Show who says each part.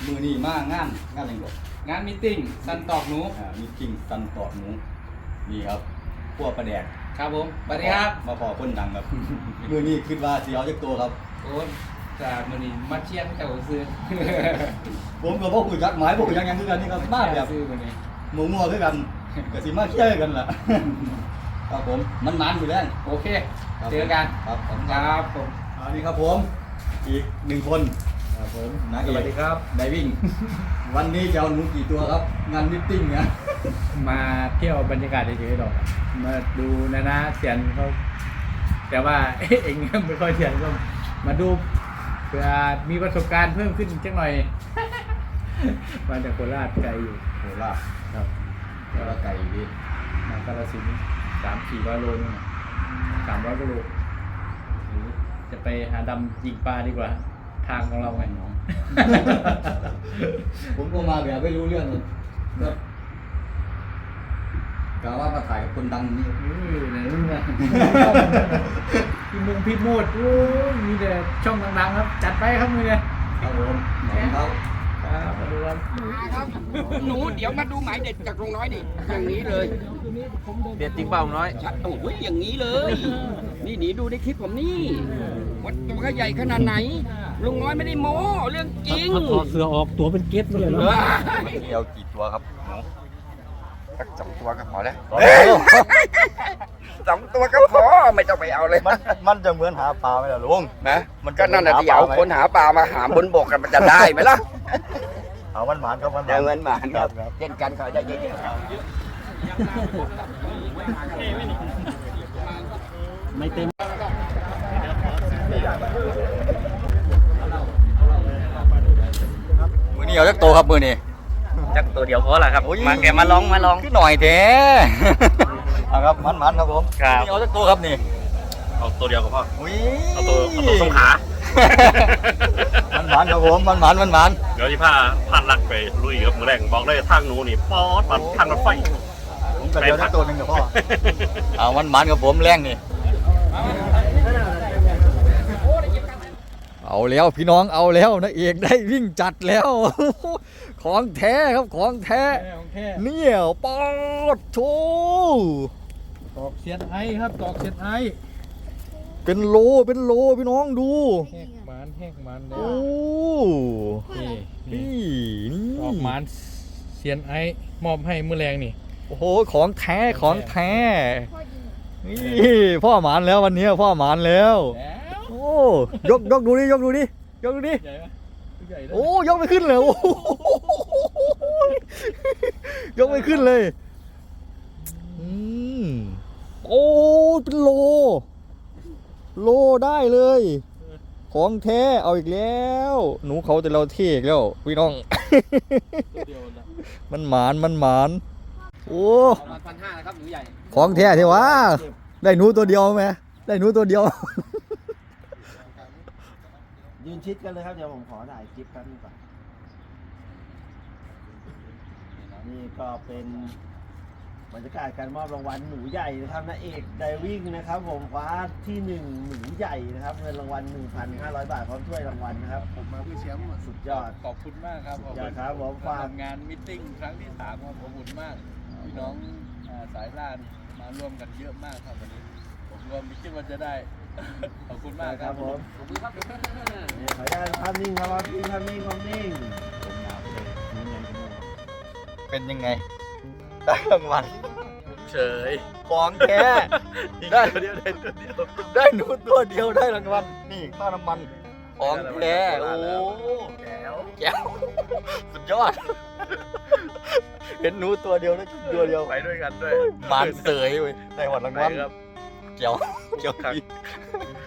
Speaker 1: มือนี่มางานอะไรก่อน
Speaker 2: งานมีตติ้งสันตอกหนู
Speaker 1: มีจริงสันตอดหมูนี่ครับพวกประแดก
Speaker 2: ครับผมสวัสดีครับ
Speaker 1: มาพอคนดังครับ มือนี่คิดว่าสีเอาจากตัวครับ
Speaker 2: โอ้จากมือนี้มาเชียนเจ้าซื้อ
Speaker 1: ผมกับพวกคุยจักหมายพวกคุยยังคือกันนี่ครับมาแบบ
Speaker 2: ซื้อมือนี้
Speaker 1: หมูงัวคือกันก็สิมาเชื่อกันแหละครับผมมันมันอยู่แล้ว
Speaker 2: โอเคเจอกัน
Speaker 1: ครับผม
Speaker 2: ครับผม
Speaker 1: อันนี้ครับผมอีกหนึ่งคนครับผมนายเอก
Speaker 2: สวัสดีครับ
Speaker 1: ไดวิ่ง วันนี้จะเอาหนูกี่ตัวครับ งานมิทติ้งเนี่ย
Speaker 3: มาเที่ยวบรรยากาศเฉยๆหรอกมาดูนะเสียนเขาแต่ว่า เองไม่ค่อยเสียนก็มาดูเพื่อมีประสบการณ์เพิ่มขึ้นจังหน่อย มาจากโคราชไกลอยู่
Speaker 1: โคราช
Speaker 3: ครับ
Speaker 1: แล้วไก่ดี
Speaker 3: มากาฬสินธุ์300-400 โลนี่นะ300 กว่าโลหรือจะไปหาดำยิงปลาดีกว่า ทางของเราไง
Speaker 1: น้อง ผมก็มาแบบไม่รู้เรื่องเลยครับกะว่ามาถ่ายกับคนดังนี่
Speaker 3: ไหนมึงอะ พี่โมดโอ้ยมีแต่ช่องดังๆครับ จัดไปครับมึงเนี่ย
Speaker 1: ครับผมหนองเขา
Speaker 3: ครับมาดูครับ
Speaker 4: ครับหนูเดี๋ยวมาดูหมายเด็ดจากลุงน้อยนี่อย่างนี้เลย
Speaker 3: เด็ดจริงเปล่าน้อย
Speaker 4: โอ้ยอย่างนี้เลย นี่หนีดูในคลิปผมนี่วัดตัวเขาใหญ่ขนาดไหน ลุงน้อยไม่ได้โม้เรื่องจริง
Speaker 3: ถอดเสื้อออกตัวเป็นเก็ตเลย
Speaker 4: เอ
Speaker 3: เนาะ
Speaker 4: อ
Speaker 1: เดียวกี่ตัวครับหนู
Speaker 4: สัก2 ตัวก็พอแล้ว
Speaker 1: เอ้ย
Speaker 4: 2 ตัวก็พอไม่ต้องไปเอาเลย
Speaker 1: มันจะเหมือนหาปลาไหมล่ะลุง
Speaker 4: นะมันก็นั่นน่ะที่เอาคนหาปลามาหาบนบกกันมันจะได้ไหมล่ะ
Speaker 1: เอามันหมานครับมันห
Speaker 4: เดิ
Speaker 1: มาน
Speaker 4: นมาครับเช่นกันเขาได้เยอะๆ
Speaker 3: ไม่เต็ม
Speaker 1: มือนี่เอาจักโตครับมือนี่
Speaker 3: จักตัวเดียวพอละครับ
Speaker 1: โอ้ย
Speaker 3: มาแกมาลอง
Speaker 1: ขึ้นหน่อยแท้ เอาครับมันครับผม
Speaker 3: ครับ
Speaker 1: นี่เอาจักโตครับนี่
Speaker 5: เอาตัวเดียวก็พอ
Speaker 1: อุ้ย
Speaker 5: เอาตัวสงขา
Speaker 1: มันครับผมมัน
Speaker 5: เดี๋ยวที่พาพานลักไปลุยกับมือแรงบอกเลยทางหนูนี่ป๊อดปัดทางรถไฟ
Speaker 1: ผมก็เดียวได้ตัวหนึ่งกับพ่อ เอามันกับผมแรงนี่เอาแล้วพี่น้องเอาแล้วนะเอกได้วิ่งจัดแล้ว ของแท้ครับของแท้
Speaker 3: ของแท้
Speaker 1: เนี่ยปอดโช
Speaker 3: ตอกเสียนไอ้ครับตอกเสียนไอ้
Speaker 1: เป็นโลพี่น้องดู
Speaker 3: แหกหมันเลย
Speaker 1: โอ้
Speaker 3: นี่
Speaker 1: นี่นี่
Speaker 3: ออกหมันเสียนไอ้มอบให้มือแรงนี่
Speaker 1: โอ้โหของแท้ของแท้นี่พ่อหมานแล้ววันนี้พ่อหมานแล้ว
Speaker 3: แล้ว
Speaker 1: โอ้ยกดูดิยกดูดิ
Speaker 3: ใหญ่ปะใหญ่เลย
Speaker 1: โอ้ยกไม่ขึ้นเลยโอ้โหยกไม่ขึ้นเลยอืมโอ้เป็นโลได้เลย ของแท้เอาอีกแล้ว หนูเขาแต่เราเท่อีกแล้วพี่น้อง
Speaker 3: ตัวเดียวนะ
Speaker 1: มันหมานโอ้
Speaker 2: ประมาณ1,500นะครับหนูใหญ่
Speaker 1: ของแท้ที่ว่าได้หนูตัวเดียวไหมได้หนูตัวเดียว
Speaker 6: ยืนชิดกันเลยครับ เดี๋ยวผมขอถ่ายคลิปแป๊บนึงก่อนนี่ก็เป็นบรรยากาศการมอบรางวัลหนูใหญ่นะครับนาเอกไดวิ่งนะครับ ผมคว้าที่1หนูใหญ่นะครับเงินรางวัล 1,500 บาทพร้อมถ้วยรางวัลนะครับผมมาเพื่อแชมป์สุดยอด
Speaker 3: ขอบคุณมากครับ
Speaker 6: สุดยอดครับผมฝาก
Speaker 3: ทำงานมิทติ้งครั้งที่3ครับขอบคุณมากพี่น้องสายล่านี่มาร่วมกันเยอะมากครับวันนี้ผมรวมไม่คิดว่าจะได้ ขอบคุณมาก
Speaker 6: ค
Speaker 3: ค
Speaker 6: รั
Speaker 3: รั
Speaker 6: บบ ผม
Speaker 2: ขอบคุณครับ
Speaker 6: นี่ขออนุญาตภาพนิ่งครับภาพนิ่ง
Speaker 1: เป็นยังไงได้รางวัล
Speaker 5: เฉย
Speaker 1: ของแท้ได้
Speaker 5: ตัวเดียวได้ตัวเดียว
Speaker 1: ได้หนูตัวเดียวได้รางวัลนี่ค่าน้ำมันของแท้โอ้แจ๋วสุดยอด เห็นหนูตัวเดียวได้ตัวเดียว
Speaker 5: ไปด้วยกันด้วย
Speaker 1: มานเสยเว้ยได้หวัดราง
Speaker 5: ไป
Speaker 1: วัล
Speaker 5: ครับ
Speaker 1: เจ๋วดี